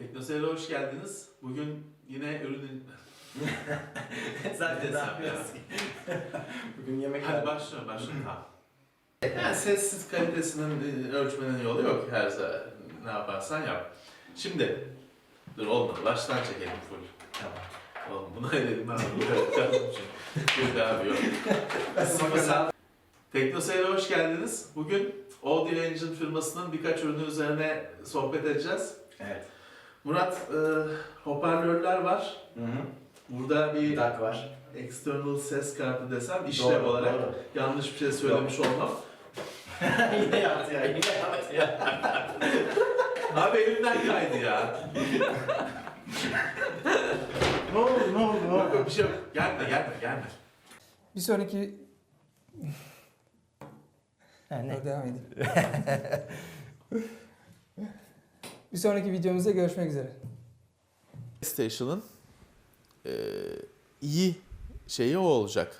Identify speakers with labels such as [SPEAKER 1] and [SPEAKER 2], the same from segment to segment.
[SPEAKER 1] Teknoseyir'e hoş geldiniz. Bugün yine ürünün...
[SPEAKER 2] Zaten ne yapıyoruz ki? Bugün yemek
[SPEAKER 1] Hadi başlayalım. Tamam. Yani sessiz kalitesinin ölçmenin yolu yok her zaman. Ne yaparsan yap. Şimdi, dur olmadı. Baştan çekelim full.
[SPEAKER 2] Tamam.
[SPEAKER 1] Oğlum bunu edelim ben. Bir daha bir yok. Teknoseyir'e hoş geldiniz. Bugün Audio Engine firmasının birkaç ürünü üzerine sohbet edeceğiz.
[SPEAKER 2] Evet.
[SPEAKER 1] Murat, hoparlörler var.
[SPEAKER 2] Hı hı.
[SPEAKER 1] Burada bir
[SPEAKER 2] DAC var.
[SPEAKER 1] external ses kartı desem işlev
[SPEAKER 2] Doğru,
[SPEAKER 1] olarak
[SPEAKER 2] doğru.
[SPEAKER 1] yanlış bir şey söylemiş olmam.
[SPEAKER 2] Yine yaptı ya, yine yaptı ya.
[SPEAKER 1] Abi elimden kaydı ya.
[SPEAKER 2] Ne oldu?
[SPEAKER 1] Yok bir şey yok. Gelme.
[SPEAKER 3] Bir sonraki...
[SPEAKER 2] Ne?
[SPEAKER 3] Devam edeyim. Bir sonraki videomuzda görüşmek üzere.
[SPEAKER 1] PlayStation'ın iyi şeyi o olacak.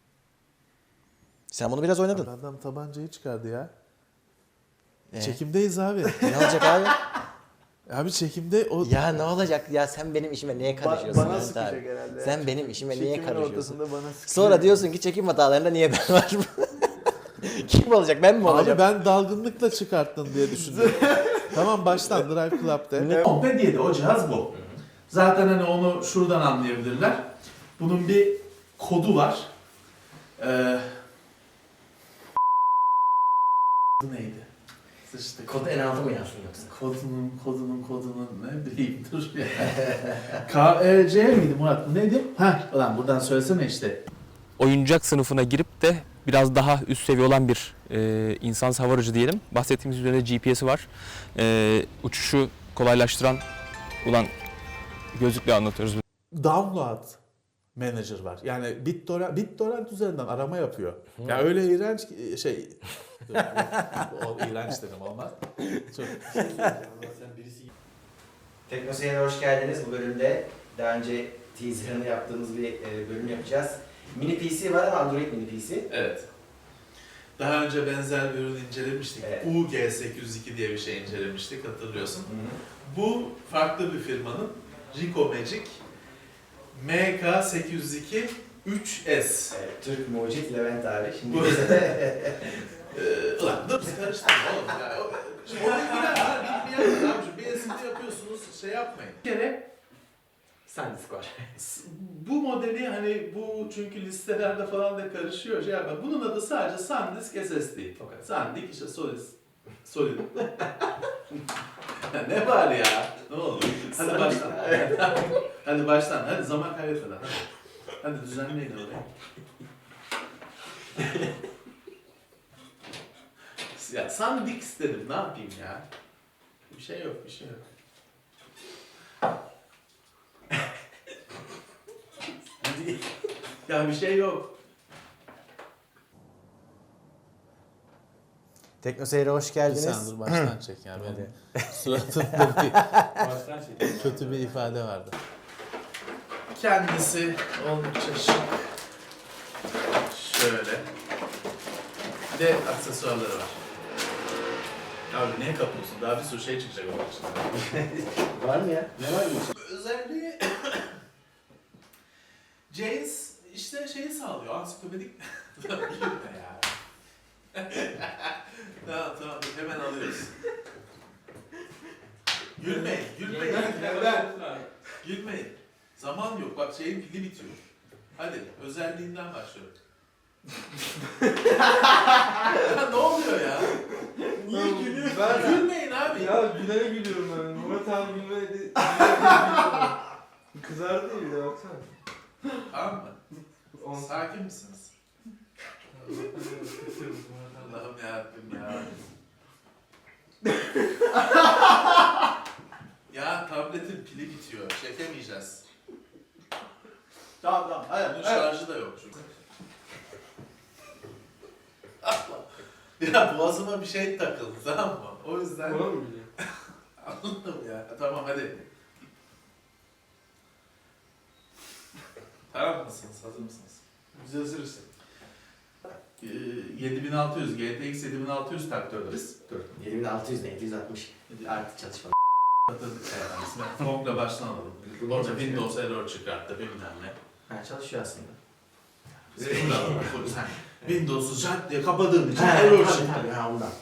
[SPEAKER 4] Sen bunu biraz oynadın.
[SPEAKER 1] Adam tabancayı çıkardı ya.
[SPEAKER 4] Ee?
[SPEAKER 1] Çekimdeyiz abi.
[SPEAKER 4] Ne olacak abi?
[SPEAKER 1] Abi çekimde o...
[SPEAKER 4] Ya ne olacak ya, sen benim işime niye karışıyorsun?
[SPEAKER 2] Bana
[SPEAKER 4] Mehmet
[SPEAKER 2] sıkacak
[SPEAKER 4] abi?
[SPEAKER 2] herhalde.
[SPEAKER 4] Sen benim işime niye
[SPEAKER 2] Çekimin
[SPEAKER 4] karışıyorsun?
[SPEAKER 2] ortasında bana sıkacak.
[SPEAKER 4] Sonra diyorsun ki çekim hatalarında niye ben varım? Kim olacak, ben mi
[SPEAKER 1] Abi
[SPEAKER 4] olacağım?
[SPEAKER 1] ben dalgınlıkla çıkarttın diye düşündüm. Tamam baştan Drive Club'de. Kompe diye de o cihaz bu. Zaten hani onu şuradan anlayabilirler. Bunun bir kodu var. Neydi? Sıçtık.
[SPEAKER 4] Kodu en altı mı yazsın yoksa?
[SPEAKER 1] Kodunun ne bileyim dur ya. KC miydi Murat? Bu neydi? Heh ulan buradan söylesene işte.
[SPEAKER 5] Oyuncak sınıfına girip de biraz daha üst seviye olan bir insansız hava aracı diyelim. Bahsettiğimiz üzerinde GPS'i var. Uçuşu kolaylaştıran gözlükle anlatıyoruz.
[SPEAKER 1] Download Manager var. Yani BitTorrent üzerinden arama yapıyor. Ya öyle iğrenç şey... o iğrenç dedim olmaz. Çok...
[SPEAKER 2] Teknoseyir'e hoş geldiniz. Bu bölümde daha önce teaserını yaptığımız bir bölüm yapacağız. Mini PC var ama Android mini PC.
[SPEAKER 1] Evet. Daha önce benzer bir ürün incelemiştik.
[SPEAKER 2] Evet.
[SPEAKER 1] UG802 diye bir şey incelemiştik hatırlıyorsun.
[SPEAKER 2] Hı hı.
[SPEAKER 1] Bu farklı bir firmanın Ricoh Magic MK802 3S.
[SPEAKER 2] Evet, Türk mucit Levent abi. Şimdi
[SPEAKER 1] Bu-
[SPEAKER 2] bize
[SPEAKER 1] Ulan dur karıştırma oğlum ya. Şimdi oraya girer ha. Bir yapın abicim. Bir esinti yapıyorsunuz. Şey yapmayın. Bir kere
[SPEAKER 2] SanDisk var.
[SPEAKER 1] bu modeli hani bu çünkü listelerde falan da karışıyor şey yapma. Bunun adı sadece SanDisk SSD.
[SPEAKER 2] O kadar.
[SPEAKER 1] SanDisk işte Solid. Ne var ya? Ne oldu? Hadi
[SPEAKER 2] SanDisk,
[SPEAKER 1] baştan.
[SPEAKER 2] evet.
[SPEAKER 1] Hadi baştan. Hadi zaman kaybetmeden. Hadi düzenleyin orayı. Ya SanDisk dedim. Ne yapayım ya? Bir şey yok. Hadi. Ya bir şey yok.
[SPEAKER 4] Teknoseyir'e hoş geldiniz.
[SPEAKER 1] Sen dur baştan çek yani. Benim suratımda bir kötü bir ifade vardı. Kendisi oldukça şık. Şöyle. Bir de aksesuarları var. Abi niye kapıyorsun? Daha bir sürü şey çıkacak onun içinde.
[SPEAKER 2] Var mı ya? Ne var mı?
[SPEAKER 1] Özelliği James işte şeyi sağlıyor. Ansiklopedik... Gülme ya. Tamam dur, hemen alıyoruz. Gülmeyin. Zaman yok. Bak şeyin pili bitiyor. Hadi özelliğinden başlıyorum. Ya ne oluyor ya?
[SPEAKER 6] Niye gülüyorsun?
[SPEAKER 1] Gülmeyin abi.
[SPEAKER 6] Ya gülene gülüyorum ben. Murat abi gülmedi. Kızardı ya baksana.
[SPEAKER 1] Tamam mı? Sakin misiniz? Allah'ım yarabbim ya. Ya tabletin pili bitiyor. Çekemeyeceğiz.
[SPEAKER 2] Tamam.
[SPEAKER 1] Bunun şarjı da yok çünkü. Ya boğazıma bir şey takıldı tamam mı? O yüzden...
[SPEAKER 6] Ona mı gülüyor?
[SPEAKER 1] Anladım ya. Tamam hadi. Tamam mısınız? Hazır mısınız?
[SPEAKER 6] Biz hazırız.
[SPEAKER 1] 7600, GTX 7600 taktörleriz.
[SPEAKER 2] Dur. 7600 ne? 760. Artık çatışma.
[SPEAKER 1] Komple baştan alalım. Orada Windows error çıkarttı bilmem ne.
[SPEAKER 2] Ha, çalışıyor aslında.
[SPEAKER 1] Sen Windows'u şart diye kapadığın için
[SPEAKER 2] Ha,
[SPEAKER 1] error
[SPEAKER 2] tabii,
[SPEAKER 1] çıktı.
[SPEAKER 2] tabii, ha, ondan.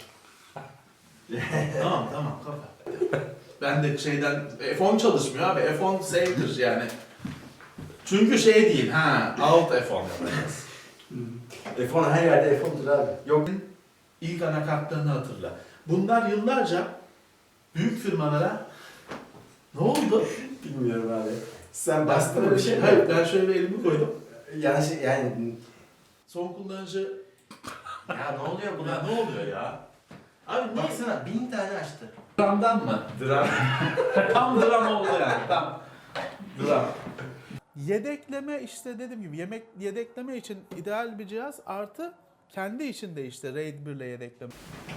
[SPEAKER 1] Tamam kapat. Ben de şeyden F10 çalışmıyor abi. F10 save'dir yani. Çünkü şey değil alt F10 yapacağız.
[SPEAKER 2] F10 her yerde F10'dur abi.
[SPEAKER 1] Yok ilk anakartlarını hatırla. Bunlar yıllarca büyük firmalara ne oldu?
[SPEAKER 2] Bilmiyorum abi. Sen bastın
[SPEAKER 1] Böyle
[SPEAKER 2] mı bir şey mi?
[SPEAKER 1] Hayır ben şöyle elimi koydum.
[SPEAKER 2] Yani
[SPEAKER 1] Son kullanıcı
[SPEAKER 2] ya ne oluyor
[SPEAKER 1] buna
[SPEAKER 2] buna?
[SPEAKER 1] ne oluyor ya? Abi niye?
[SPEAKER 2] Baksana 1000 tane açtı.
[SPEAKER 1] Dramdan mı?
[SPEAKER 2] Dram.
[SPEAKER 1] Tam dram oldu yani. Tam. Dram. Yedekleme işte dediğim gibi yedekleme için ideal bir cihaz artı kendi içinde işte RAID 1 ile yedekleme.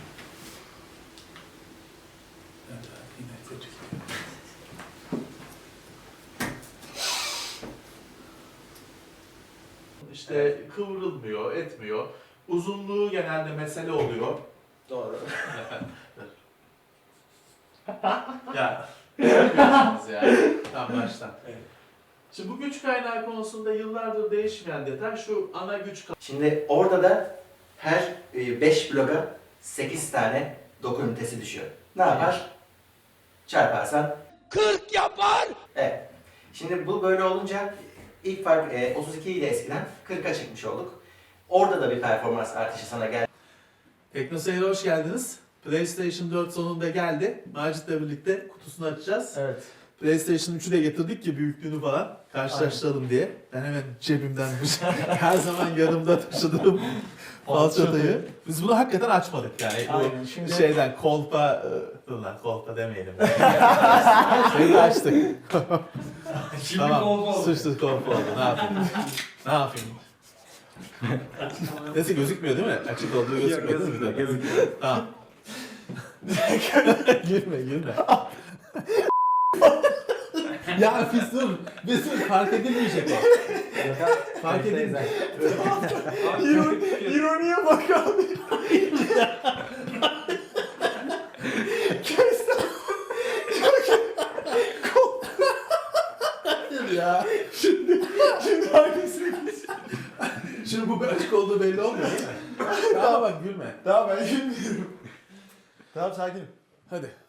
[SPEAKER 1] İşte kıvrılmıyor, etmiyor. Uzunluğu genelde mesele oluyor.
[SPEAKER 2] Doğru.
[SPEAKER 1] Ya, yapıyorsunuz yani. Tam baştan. Şimdi bu güç kaynağı konusunda yıllardır değişmeyen detay şu ana güç
[SPEAKER 2] Şimdi orada da her 5 bloga 8 tane doku ünitesi düşüyor. Ne yapar? Çarparsan
[SPEAKER 4] 40 yapar.
[SPEAKER 2] evet. Şimdi bu böyle olunca ilk fark 32 ile eskiden 40'a çıkmış olduk. Orada da bir performans artışı sana geldi.
[SPEAKER 1] TeknoSeyir'e hoş geldiniz. PlayStation 4 sonunda geldi. Macit'le birlikte kutusunu açacağız.
[SPEAKER 6] Evet.
[SPEAKER 1] PlayStation 3'ü de getirdik ki büyüklüğünü falan karşılaştıralım diye. Ben hemen cebimden her zaman yanımda taşıdığım falçatayı. Biz bunu hakikaten açmadık yani.
[SPEAKER 6] Aynen,
[SPEAKER 1] Bu
[SPEAKER 6] şimdi-
[SPEAKER 1] şeyden kolpa, dur lan kolpa demeyelim. Şeyi açtık.
[SPEAKER 6] Şimdi
[SPEAKER 1] Tamam, suçlu kolpa oldu. Ne yapayım? Ne yapayım? Neyse gözükmüyor değil mi? Açık olduğu gözükmüyor değil mi? Gözükmüyor. Tamam. Gülme. Ya biz dur fark edilmeyecek o. Fark edilmeyecek.
[SPEAKER 6] İroniye bak abi.
[SPEAKER 1] Ya. Şimdi hangisini Şimdi bu bir açık olduğu belli olmuyor değil mi? Tamam bak gülme.
[SPEAKER 6] Tamam ben gülmüyorum. Tamam sakinim.
[SPEAKER 1] Hadi.